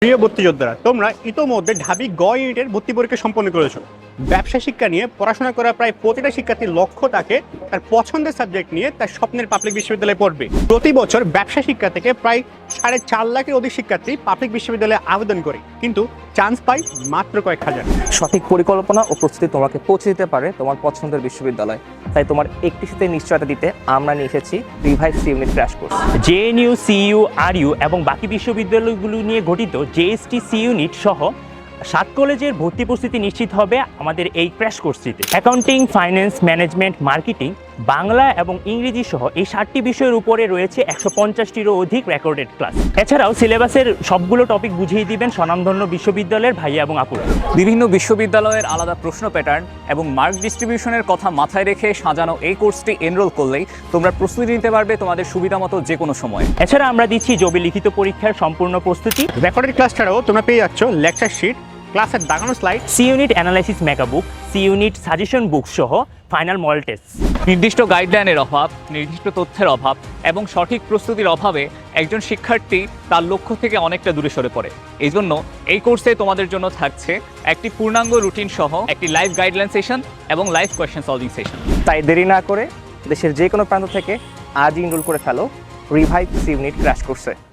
প্রিয় ভর্তি যোদ্ধারা, তোমরা ইতোমধ্যে ঢাবি গ ইউনিটের ভর্তি পরীক্ষা সম্পন্ন করেছো। ব্যবসা শিক্ষা নিয়ে পড়াশোনা করা প্রায় প্রতিটা শিক্ষার্থীর লক্ষ্য থাকে তার পছন্দের সাবজেক্ট নিয়ে তার স্বপ্নের পাবলিক বিশ্ববিদ্যালয়ে পড়বে। প্রতি বছর ব্যবসা শিক্ষা থেকে প্রায় 4.5 লাখের অধিক শিক্ষার্থী পাবলিক বিশ্ববিদ্যালয়ে আবেদন করে, কিন্তু চান্স পায় মাত্র কয়েক হাজার। সঠিক পরিকল্পনা ও প্রস্তুতি তোমাকে পৌঁছে দিতে পারে তোমার পছন্দের বিশ্ববিদ্যালয়। তাই তোমার একটি সাথে নিশ্চয়তা দিতে আমরা নিয়ে এসেছি revive C unit crash course. JNU, CU, RU এবং বাকি বিশ্ববিদ্যালয়গুলো নিয়ে গঠিত জেএসটি সি ইউনিট সহ 7 কলেজের ভর্তি প্রস্তুতি নিশ্চিত হবে আমাদের এই ক্র্যাশ কোর্সটিতে। Accounting, finance, management, marketing, Bangla এবং ইংরেজি সহ এই 7টি বিষয়ের উপরে রয়েছে 150টিরও অধিক রেকর্ডেড ক্লাস। এছাড়াও সিলেবাসের সবগুলো টপিক বুঝিয়ে দিবেন স্বনামধন্য বিশ্ববিদ্যালয়ের ভাইয়া এবং আপুরা। বিভিন্ন বিশ্ববিদ্যালয়ের আলাদা প্রশ্ন প্যাটার্ন এবং মার্ক ডিস্ট্রিবিউশনের কথা মাথায় রেখে সাজানো এই কোর্সটি এনরোল করলেই তোমরা প্রস্তুতি নিতে পারবে তোমাদের সুবিধা মতো যে কোনো সময়। এছাড়া আমরা দিচ্ছি জবি লিখিত পরীক্ষার সম্পূর্ণ প্রস্তুতি। রেকর্ডেড ক্লাস ছাড়াও তোমরা পেয়ে যাচ্ছ লেকচার শিট, ক্লাসের দাগানো slide, C unit analysis mega book, C unit suggestion book সহ ফাইনাল মডেল টেস্ট। নির্দিষ্ট গাইডলাইনের অভাব, নির্দিষ্ট তথ্যের অভাব এবং সঠিক প্রস্তুতির অভাবে একজন শিক্ষার্থী তার লক্ষ্য থেকে অনেকটা দূরে সরে পড়ে। এই জন্য এই কোর্সে তোমাদের জন্য থাকছে একটি পূর্ণাঙ্গ রুটিন সহ একটি লাইভ গাইডলাইন সেশন এবং লাইভ কোয়েশ্চেন সলভিং সেশন। তাই দেরি না করে দেশের যে কোনো প্রান্ত থেকে আজই এনরোল করে ফেলো রিভাইভ সি ইউনিট ক্র্যাশ কোর্সে।